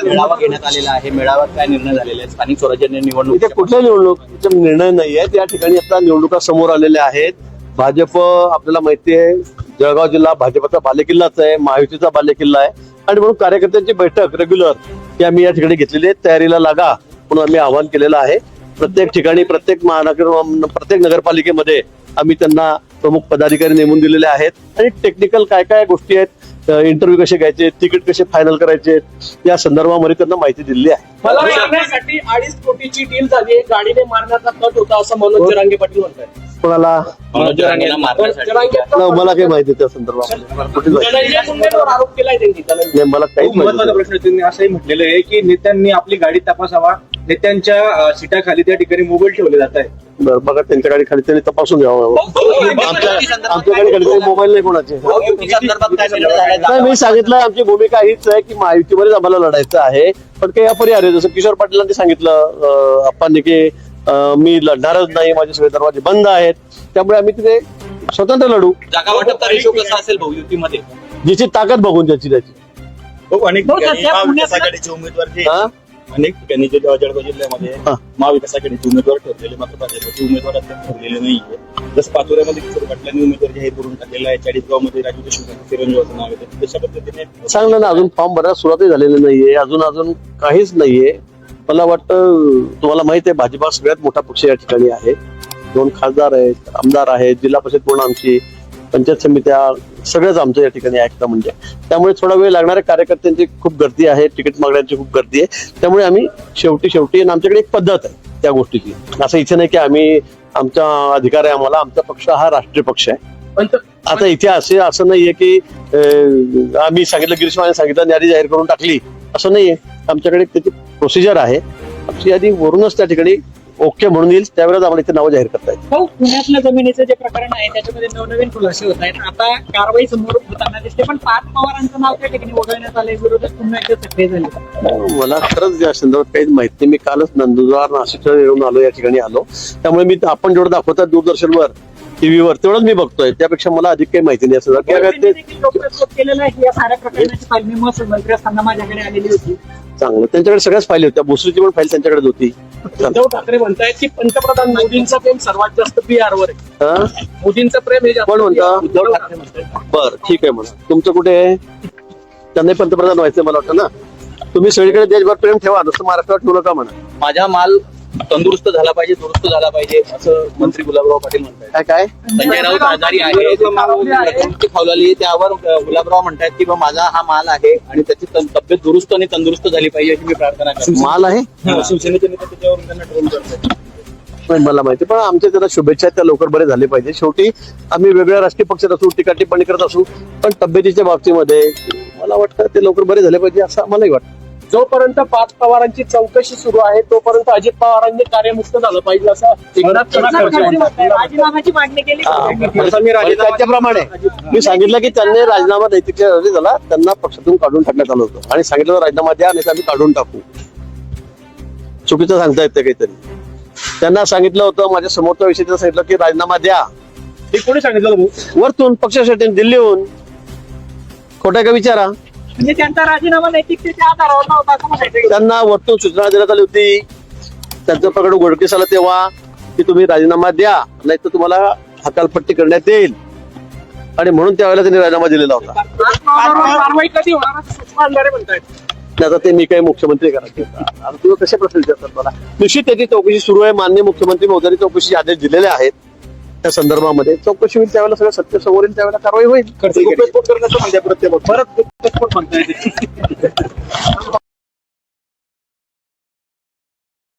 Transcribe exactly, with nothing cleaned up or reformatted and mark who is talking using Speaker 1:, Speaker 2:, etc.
Speaker 1: मेळावा घेण्यात आलेला आहे. मेळाव्यात काय निर्णय झालेले आहेत? स्थानिक स्वराज्य निवडणूक
Speaker 2: इथे कुठल्या निवडणुकीचा निर्णय नाही आहे. त्या ठिकाणी आता निवडणुका समोर आलेल्या आहेत. भाजप आपल्याला माहिती आहे जळगाव जिल्हा भाजपचा बालेकिल्लाच आहे, महायुतीचा बालेकिल्ला आहे आणि म्हणून कार्यकर्त्यांची बैठक रेग्युलर ही आम्ही या ठिकाणी घेतलेली आहे. तयारीला लागा म्हणून आम्ही आवाहन केलेलं आहे. प्रत्येक ठिकाणी प्रत्येक महानगर प्रत्येक नगरपालिकेमध्ये आम्ही त्यांना प्रमुख पदाधिकारी नेमून दिलेले आहेत आणि टेक्निकल काय काय गोष्टी आहेत, इंटरव्ह्यू कसे घ्यायचे, तिकीट कसे फायनल करायचे या संदर्भामध्ये त्यांना माहिती दिलेली आहे.
Speaker 3: मला मारण्यासाठी अडीच कोटीची डील झाली, गाडीने मारण्याचा कट होता असं मनोज जरांगे पाटील म्हणतात.
Speaker 2: कोणाला
Speaker 1: मनोज जरांगेला मारण्यासाठी
Speaker 2: मला काही माहिती त्या संदर्भामध्ये
Speaker 3: धनंजय मुंडेंवर आरोप केलाय त्यांनी.
Speaker 2: नाही, मला काहीच माहिती
Speaker 4: महत्वाचा प्रश्न त्यांनी असंही म्हटलेलं आहे की नेत्यांनी आपली गाडी तपासावा, नेत्यांच्या सीटाखाली त्या ठिकाणी मोबाईल ठेवले जात आहे.
Speaker 2: बरं, बघा त्यांच्या गाडी खाली त्यांनी तपासून घ्यावं. आमच्या आमच्या गाडी खाली मोबाईल नाही कोणाचे.
Speaker 1: संदर्भात काय निर्णय झाले?
Speaker 2: नाही, मी सांगितलं आमची भूमिका हीच आहे की महायुतीमध्येच आम्हाला लढायचं आहे, पण काही अपरिहार्य जसं किशोर पाटीलांनी सांगितलं आप्पांनी की मी लढणारच नाही, माझे सगळे दरवाजे बंद आहेत, त्यामुळे आम्ही तिथे स्वतंत्र लढू.
Speaker 1: जागा वाटपचा रेशो कसा असेल भाऊ युतीमध्ये?
Speaker 2: जिची ताकद बघून त्याची त्याची
Speaker 4: अनेक ठिकाणी महाविकास आघाडीचे उमेदवार जे
Speaker 2: हा
Speaker 4: अनेक ठिकाणी जे जळगाव जिल्ह्यामध्ये
Speaker 2: हा.
Speaker 4: महाविकास आघाडीचे उमेदवार ठरलेले मात्र भाजपचे उमेदवार अद्याप ठरलेले नाहीये. जसं पाचोऱ्यामध्ये किशोर पाटलांनी उमेदवार जाहीर करून टाकलेला आहे. चाळीसगाव मध्ये राजू देशमुख चिरंजीवाचं नाव आहे. तशा पद्धतीने
Speaker 2: चांगलं ना, अजून फॉर्म भरायला सुरुवातही झालेली नाहीये, अजून अजून काहीच नाहीये. मला वाटतं तुम्हाला माहित आहे भाजपा सगळ्यात मोठा पक्ष या ठिकाणी आहे. दोन खासदार आहेत, आमदार आहेत, जिल्हा परिषद पूर्ण आमची, पंचायत समित्या सगळंच आमचं या ठिकाणी ऐकतं म्हणजे. त्यामुळे थोडा वेळ लागणाऱ्या कार्यकर्त्यांची खूप गर्दी आहे, तिकीट मागण्यांची खूप गर्दी आहे. त्यामुळे आम्ही शेवटी शेवटी आणि आमच्याकडे एक पद्धत आहे त्या गोष्टीची. असं इथे नाही की आम्ही आमचा अधिकार आहे आम्हाला, आमचा पक्ष हा राष्ट्रीय पक्ष आहे. आता इथे असे असं नाहीये की आम्ही सांगितलं गिरीश महाजन सांगितलं यादी जाहीर करून टाकली असं नाहीये. आमच्याकडे त्याची प्रोसिजर आहे. आमची यादी वरूनच त्या ठिकाणी ओके म्हणून येईल त्यावेळेस आम्हाला इथे नावं जाहीर करता येईल.
Speaker 3: हो, पुण्यातलं जमिनीचं जे प्रकरण आहे त्याच्यामध्ये नवनवीन खुलासे होत आहेत. आता कारवाई समोर होताना दिसते, पण पाच पवारांचं नाव त्या ठिकाणी वगळण्यात आलंय, विरोधात पुन्हा एकदा सक्रिय झाले.
Speaker 2: मला खरंच या संदर्भात काहीच माहिती नाही. मी कालच नंदुरबार नाशिक येऊन आलो, या ठिकाणी आलो, त्यामुळे मी आपण जेवढं दाखवतात दूरदर्शनवर टीव्हीवर तेवढंच मी बघतोय. त्यापेक्षा मला अधिक काही माहिती नाही. असं
Speaker 3: केलेलं आहे या साऱ्या प्रकरणाची फाईल मी महसूल मंत्री असताना माझ्याकडे आलेली होती.
Speaker 2: चांगलं, त्यांच्याकडे सगळ्याच फाईल होत्या, भोसरीची पण फाईल त्यांच्याकडेच होती.
Speaker 3: उद्धव ठाकरे म्हणतायत की पंतप्रधान मोदींचं प्रेम सर्वात जास्त बिहारवर आहे.
Speaker 2: हा?
Speaker 3: मोदींचं प्रेम हे जास्त
Speaker 2: कोण म्हणतं?
Speaker 3: उद्धव ठाकरे म्हणतात.
Speaker 2: बर, ठीक आहे म्हणा. तुमचं कुठे आहे? त्यांनाही पंतप्रधान व्हायचं मला वाटतं ना. तुम्ही सगळीकडे देशभर प्रेम ठेवा, नुसतं महाराष्ट्रात ठेवू नका म्हणा.
Speaker 1: माझा माल तंदुरुस्त झाला पाहिजे, दुरुस्त झाला पाहिजे असं मंत्री गुलाबराव पाटील म्हणतात.
Speaker 2: काय काय
Speaker 1: संजय राऊत आजारी आहे, प्रकृती खावलेली, त्यावर गुलाबराव म्हणतात की बा माझा हा माल आहे आणि त्याची तब्येत दुरुस्त आणि तंदुरुस्त झाली पाहिजे अशी मी प्रार्थना करतो.
Speaker 2: माल आहे
Speaker 4: शिवसेनेचे नेते त्याच्यावरून त्यांना ट्रोल करतात.
Speaker 2: नाही मला माहिती, पण आमच्या त्याला शुभेच्छा त्या लवकर बरे झाले पाहिजे. शेवटी आम्ही वेगळ्या राजकीय पक्षात असू, टीका टिप्पणी करत असू, पण तब्येतीच्या बाबतीमध्ये मला वाटतं ते लवकर बरे झाले पाहिजे असं आम्हालाही वाटतं.
Speaker 3: जोपर्यंत पाच पवारांची चौकशी सुरू आहे तोपर्यंत अजित पवारांनी कार्यमुक्त झालं पाहिजे असं राजीनाम्याची मागणी केली.
Speaker 2: त्याच्याप्रमाणे मी सांगितलं की त्यांनी राजीनामा नैतिक झाला, त्यांना पक्षातून काढून टाकण्यात आलं होतं आणि सांगितलं राजीनामा द्या नाही तर आम्ही काढून टाकू. चुकीचं सांगता येतं काहीतरी. त्यांना सांगितलं होतं, माझ्या समोरच्या विषयी सांगितलं की राजीनामा द्या.
Speaker 4: ते कोणी सांगितलं?
Speaker 2: वरतून पक्षासाठी दिल्लीहून. खोटा का विचारा.
Speaker 3: म्हणजे त्यांचा राजीनामा नैतिकतेच्या आधारावर नव्हता असं म्हणायचं.
Speaker 2: त्यांना वरतून सूचना देण्यात आली होती. त्यांचं प्रकरण उघडकीस आलं तेव्हा की तुम्ही राजीनामा द्या नाही तर तुम्हाला हकालपट्टी करण्यात येईल आणि म्हणून त्यावेळेला त्यांनी राजीनामा दिलेला होता.
Speaker 3: कारवाई कधी होणार असं सूचना आणणारे म्हणतायत.
Speaker 2: आता ते मी काही मुख्यमंत्री करायचे आता तुम्ही कसे प्रश्न विचारतात मला. निश्चित त्याची चौकशी सुरू आहे. माननीय मुख्यमंत्री महोदयांनी चौकशी आदेश दिलेले आहेत. त्या संदर्भामध्ये चौकशी होईल त्यावेळेला सगळं सत्य समोर येईल त्यावेळेला कारवाई होईल.
Speaker 4: करण्याचं म्हणजे प्रत्येक परत म्हणताय